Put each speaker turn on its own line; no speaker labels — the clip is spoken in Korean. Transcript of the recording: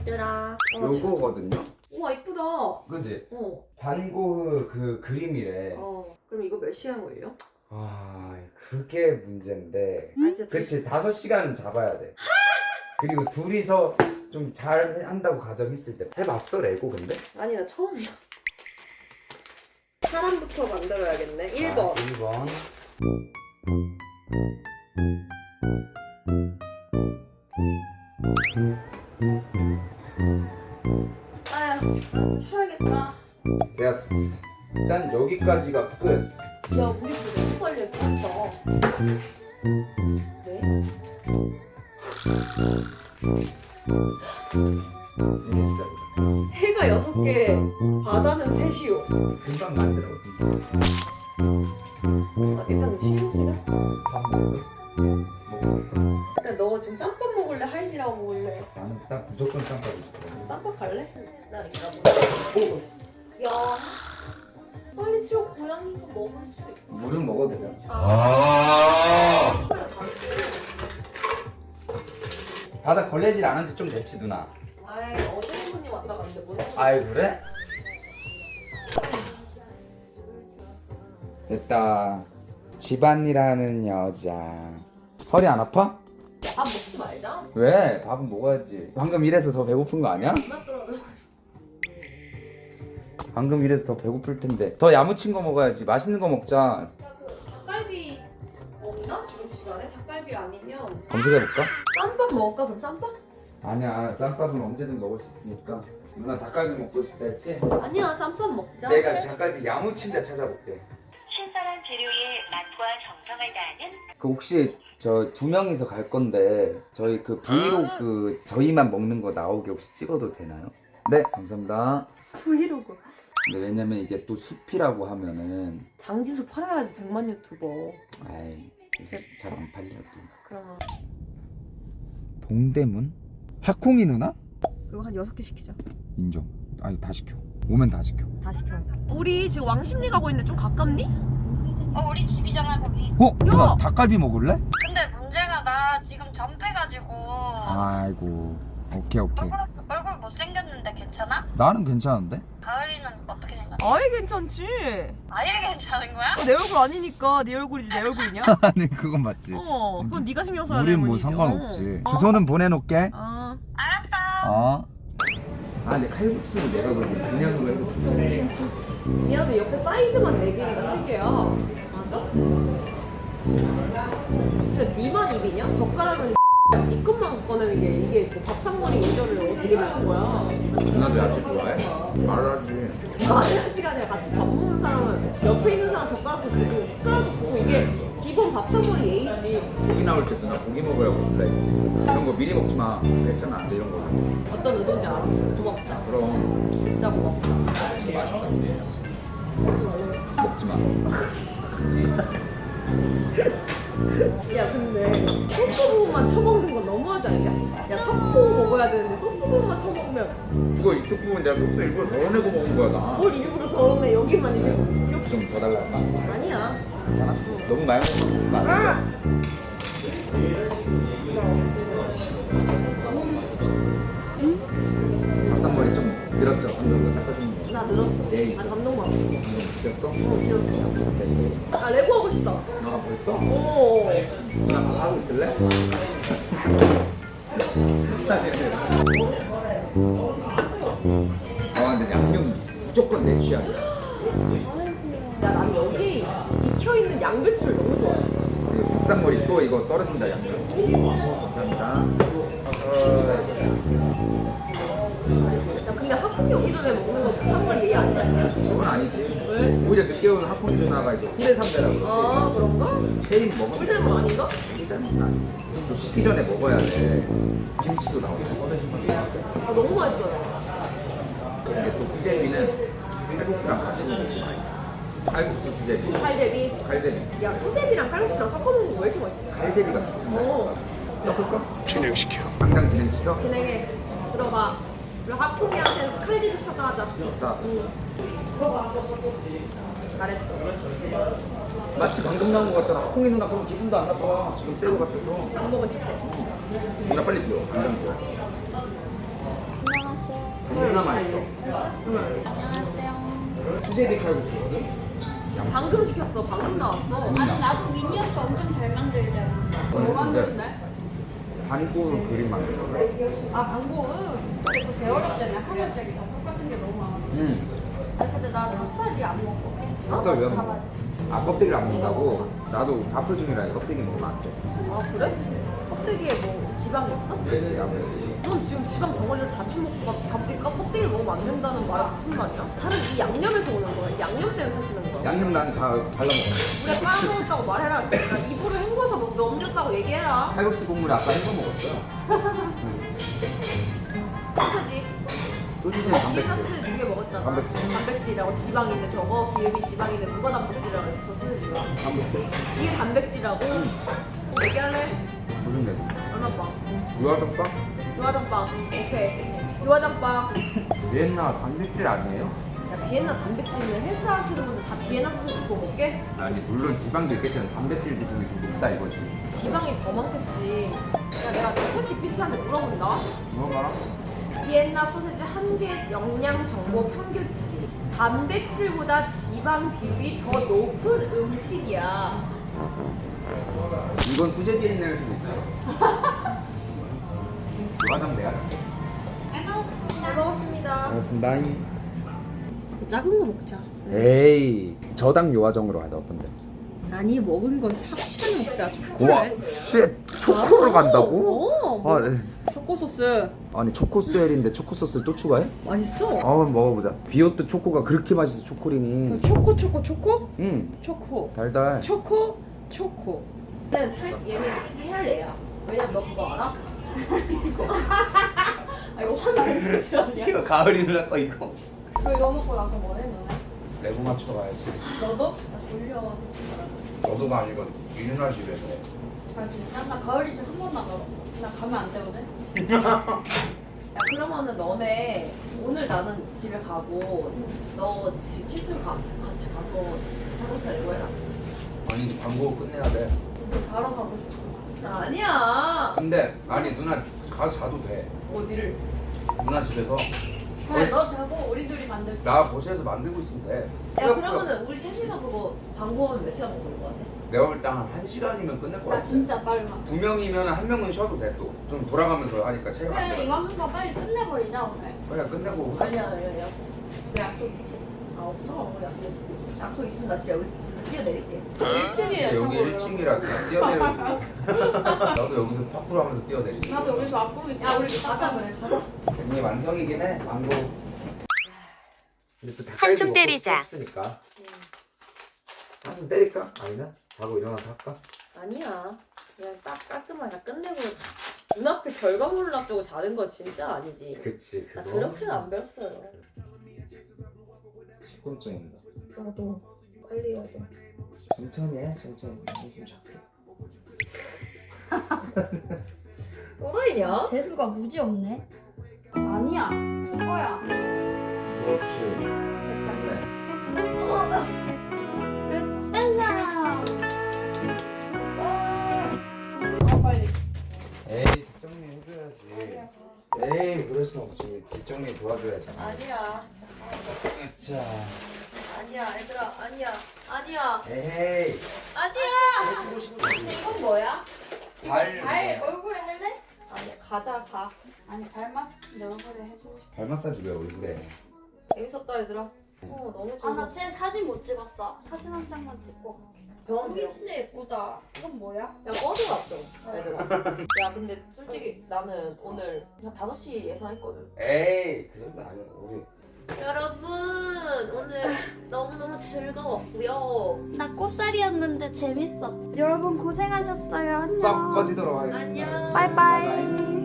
얘들아.
요거거든요?
우와 이쁘다.
그지?
어.
반고흐 그 그림이래.
그럼 이거 몇 시간 걸려?
아, 그게 문제인데.
아 진짜
그치, 5시간은 잡아야 돼. 그리고 둘이서 좀 잘 한다고 가정했을 때. 해봤어, 레고 근데?
아니 나 처음이야. 사람부터 만들어야겠네. 1번.
1번.
아휴 쉬어야겠다.
됐어. 일단 여기까지가 끝.
야 우리 집에 너무 빨리 했다. 네?
이제 시작이다.
해가 6개, 바다는 3시요.
금방 만들어.
일단 쉬는 시간?
밥 먹어.
일단 너 지금 짬밥 먹을래? 할미라고 먹을래?
나는 딱 무조건 쌈밥이 좋거든.
짬밥 갈래? 나 이거 먹어. 야 빨리 치워 고양이가 먹을 수 있고.
물은 먹어도 되잖아. 바닥 걸레질 안 한 지 좀 됐지 누나?
아이 어제 손님 왔다 갔는데 뭔 소리야.
아이 그래? 됐다. 집안이라는 여자. 허리 안 아파?
밥 먹지 말자.
왜? 밥은 먹어야지. 방금 이래서 더 배고픈 거 아니야?
입맛 떨어져.
방금 이래서 더 배고플 텐데. 더 야무친 거 먹어야지. 맛있는 거 먹자.
야 그 닭갈비 없나? 지금 시간에? 닭갈비 아니면
검색해볼까?
쌈밥 먹을까? 그럼 쌈밥?
아니야. 짬밥은 언제든 먹을 수 있으니까. 누나 닭갈비 먹고 싶다 했지?
아니야 쌈밥 먹자.
내가 닭갈비 야무친 데 찾아볼게.
신선한 재료의 맛과 정성을 다하는
그 혹시 저 2명이서 갈 건데 저희 그 브이로그 저희만 먹는 거 나오게 혹시 찍어도 되나요? 네 감사합니다.
브이로그.
근데 왜냐면 이게 또 숲이라고 하면은
장지수 팔아야지 100만 유튜버.
아이 잘 안 팔려 또.
그러면
동대문? 하콩이 누나?
그리고 한 6개 시키자.
인정. 아니 다 시켜. 오면 다 시켜.
다 시켜. 우리 지금 왕십리 가고 있는데 좀 가깝니?
우리 집이잖아 거기.
누나 닭갈비 먹을래?
근데 문제가 나 지금 전패가지고
아이고 오케이
얼굴 못생겼는데 괜찮아?
나는 괜찮은데?
가을이는 어떻게 생각해?
아예 괜찮지.
아예 괜찮은 거야?
내 얼굴 아니니까 네 얼굴이지 내 얼굴이냐?
아니 그건 맞지.
그건 네가 신경 써야
우린
되는
뭐
거지.
상관없지. 주소는 보내놓게.
알았어.
아 근데 칼국수는 내가 그냥 그냥으로 해볼게.
미안해 옆에 사이드만 4개니까 3개야. 맞아? 근데 니만 입이냐? 젓가락은 이 끝만 꺼내는 게 이게 뭐 밥상머리 예절을 어떻게 먹는 거야?
누나도 야채 좋아해? 말하지.
많은 시간에 같이 밥 먹는 사람은 옆에 있는 사람 젓가락도 주고 숟가락도 주고 이게 기본 밥상머리 예의지.
고기 나올 때 누나 고기 먹으라고 불러. 이런 거 미리 먹지 마. 괜찮아 안 돼 이런 거.
어떤 의도인지 알았어. 고맙다.
그럼
진짜 고맙다.
맛있다. 먹지 마.
야 근데 소스 부분만 쳐먹는 건 너무하지 않냐? 야 섞고 먹어야 되는데 소스 부분만 쳐먹으면
이거 이쪽 부분 내가 소스 일부러 덜어내고 먹은 거야 나.
뭘 일부러 덜어내 여기만 이렇게
좀 더 달라.
아니야.
괜찮아? 너무 많이 먹는 거 아니야? 밥상머리 좀 늘었죠? 방금 닦아주는 거.
나 늘었어.
예, 있어.
나 감동받았어.
지렸어?
길었어. 아 레고 하고 싶다.
너가 벌써?
오.
누나 가서 하고 있을래? 근데 양념 무조건 내 취향이야.
야 난 여기 익혀있는 양배추를 너무 좋아해.
이거 밥상머리 또 이거 떨어진다 양념. 감사합니다.
야 근데 학교 오기 전에 먹는 거 밥상머리 예의 아니야?
그건 아니지.
왜?
오히려 늦게 온 하콩이 누나가 이거 후레삼배라고
아
그러지.
그런가?
케인 먹으면
꿀닮은 아닌가?
후레삼은 아니야. 또 식기 전에 먹어야 돼. 김치도 나오고.
아 너무 맛있어요.
이게 또 수제비는 칼국수랑 같이 먹는 게 맛있어. 칼국수 수제비.
칼제비.
칼제비.
야 수제비랑 칼국수랑 섞어 먹는 거 왜 이렇게 맛있어?
칼제비가 같이 먹어. 섞을까?
진행시켜.
당장 진행시켜?
진행해. 들어가. 그리고 학풍이한테 칼제비 시켰다 하자.
자,
잘했어.
마치 방금 나온 거 같잖아. 하콩이 누나 그럼 기분도 안 나빠. 지금 새거 같아서.
안 먹은 척해.
누나 빨리 뛰어. 당장 뛰어. 겁나 맛있어.
안녕하세요.
수제비 칼국수거든?
방금 시켰어. 방금 나왔어.
아니 나도 미니어처 엄청 잘 만들잖아. 뭐 만드는데?
반고로 그림 만들어.
아 방법은 근데 그 배어렵잖아. 하늘색이 다 똑같은 게 너무 많아. 근데 나 닭살이 안 먹어.
닭살 왜 안 먹어? 아, 껍데기를 안 먹는다고? 나도 밥표 중이라 껍데기 먹으면 안 돼.
아 그래? 껍데기에 뭐 지방이 있어?
그렇지, 아무래도.
넌 지금 지방 덩어리를 다 처먹고 갑자기 껍데기를 먹으면 안 된다는 말이 무슨 말이야? 다른 이 양념에서 오는 거야. 이 양념 때문에 사시는 거야.
양념 난 다 발라먹어.
우리가 빨아먹었다고 말해라. 진짜 입으로 헹궈서 넘겼다고 얘기해라.
칼국수 국물에 아까 헹궈 먹었어요.
소세지.
소시지는 단백질.
소세지 2개 먹었잖아.
단백질.
단백질이라고 지방인데 저거 기름이 지방인데 무가단백질이라고 했어 소세지가.
단백질.
이게 단백질이라고? 얘기할래?
무슨 내?
얼마 빵?
유화덮밥?
유화장빵. 오케이. 유화장빵.
비엔나 단백질 아니에요?
야 비엔나 단백질은 헬스 하시는 분들 다 비엔나 소세지 그거 먹게?
아니 물론 지방도 있겠지만 단백질 비중이 좀 높다 이거지.
지방이 더 많겠지. 야 내가 챗 GPT한테 물어본다.
뭐가?
비엔나 소세지 한 개 영양 정보 평균치. 단백질보다 지방 비율이 더 높은 음식이야.
이건 수제 비엔나일 수도 있다. 유화장 내가 살게.
잘 먹었습니다.
알겠습니다.
작은 거 먹자.
에이 저당 요화정으로 가자. 어떤데?
아니 먹은 거 확실하게 먹자.
고와 쉣 초코로 간다고?
어.
아, 네.
초코 소스
아니 초코스웰인데 초코소스를 또 추가해?
맛있어.
한번 먹어보자. 비오트 초코가 그렇게 맛있어. 초코링이.
초코.
응
초코.
달달.
초코. 얘는 얘는 헤알레야. 왜냐면 너 그거 알아? 아 이거 화나는 거지 아니야?
가을이라 이거.
너 이거 먹고 나서 뭐 해 너네?
레고 맞추러 가야지.
너도?
나 졸려.
너도가 아니고 유준아 집에서.
아 진짜? 나 가을이 좀 한 번도 안 가봤어. 나 가면 안 되거든?
야 그러면은 너네 오늘 나는 집에 가고 너 지금 7층 같이 가서 자동차 내고 해라.
아니 이제 광고 끝내야 돼.
너 자러 가고 싶어.
아니야.
근데 아니 누나 가서 자도 돼.
어디를?
누나 집에서
그래 너 자고 우리 둘이 만들게.
나 거실에서 만들고 있으면 돼.
야 그러면은 우리 셋이서 그거 방구하면 몇 시간 걸릴 것 같아?
내가 볼 때 한 1시간이면 끝낼 것
나
같아.
진짜 빨라.
2명이면 한 명은 쉬어도 돼 또. 좀 돌아가면서 하니까 체력 안
그래
돼.
이만큼만 빨리 끝내버리자 오늘.
그래 끝내고.
아니야.
왜 약속 있지?
아 없어. 약속 있으면 나 진짜 여기서 진짜 뛰어내릴게.
1층이야
여기 1층이라 그냥 뛰어내리고. 나도 여기서 파쿠르 하면서 뛰어내리지.
나도 여기서 앞으로
야 우리 가자 그래 가자.
이게 완성이긴 해. 망고.
한숨 때리자.
한숨 때릴까? 아니면 자고 일어나서 할까?
아니야. 그냥 딱 깔끔하게 끝내고 눈앞에 결과물을 앞두고 자는 건 진짜 아니지.
그치
나 그렇게는 안 배웠어요.
피곤증입니다.
나도 빨리 해야 돼.
천천히 해. 천천히. 한숨 잡게.
또라이냐?
재수가 무지 없네. 아니야. 이거야.
그렇지.
끝났나? 빨리.
에이 뒷정리 해줘야지. 에이 그럴 순 없지. 뒷정리 도와줘야지.
아니야.
자.
아니야 얘들아 아니야.
에이.
아니야.
해주고 싶은
근데 이건 뭐야? 이거
발.
발 얼굴에 할래?
아니야 가자 가.
아니 발맛 내 얼굴에 해주고 싶어.
발 마사지 왜 얼굴에?
재밌었다 얘들아. 너무 좋아.
아나 쟤 사진 못 찍었어. 사진 한 장만 찍고 갈게.
병원
여기 진짜 예쁘다. 이건 뭐야?
야 꺼져놨죠 얘들아. 야 근데 솔직히 나는 오늘 그냥 5시 예상했거든.
에이 그 정도 아니야. 우리
여러분 오늘 너무너무 즐거웠고요.
나 꼽살이었는데 재밌어. 여러분 고생하셨어요. 안녕.
썩 꺼지도록 하겠습니다.
안녕.
바이바이.